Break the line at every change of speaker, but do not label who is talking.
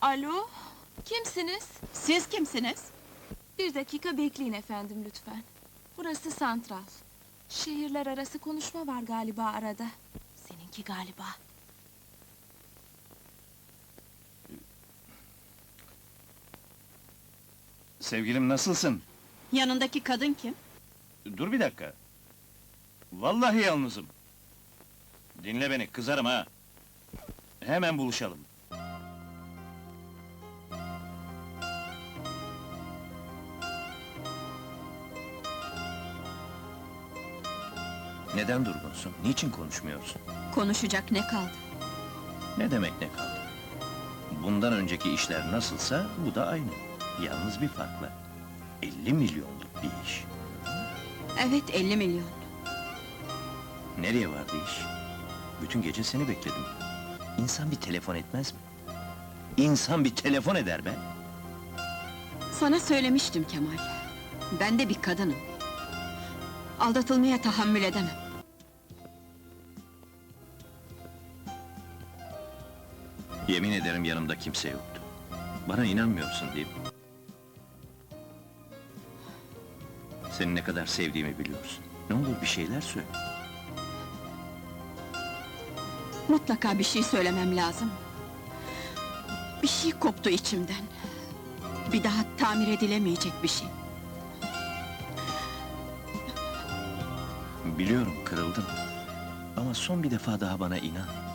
Alo, kimsiniz?
Siz kimsiniz?
Bir dakika bekleyin efendim lütfen. Burası santral. Şehirler arası konuşma var galiba arada. Seninki galiba.
Sevgilim nasılsın?
Yanındaki kadın kim?
Dur bir dakika. Vallahi yalnızım. Dinle beni, kızarım ha. Hemen buluşalım. Neden durgunsun? Niçin konuşmuyorsun?
Konuşacak ne kaldı?
Ne demek ne kaldı? Bundan önceki işler nasılsa bu da aynı. Yalnız bir farkla. 50 milyonluk bir iş.
Evet, 50 milyon.
Nereye vardı iş? Bütün gece seni bekledim. İnsan bir telefon etmez mi? İnsan bir telefon eder be!
Sana söylemiştim Kemal. Ben de bir kadınım. Aldatılmaya tahammül edemem.
Yemin ederim yanımda kimse yoktu. Bana inanmıyorsun değil mi? Seni ne kadar sevdiğimi biliyorsun. Ne olur bir şeyler söyle.
Mutlaka bir şey söylemem lazım. Bir şey koptu içimden. Bir daha tamir edilemeyecek bir şey.
Biliyorum kırıldım. Ama son bir defa daha bana inan.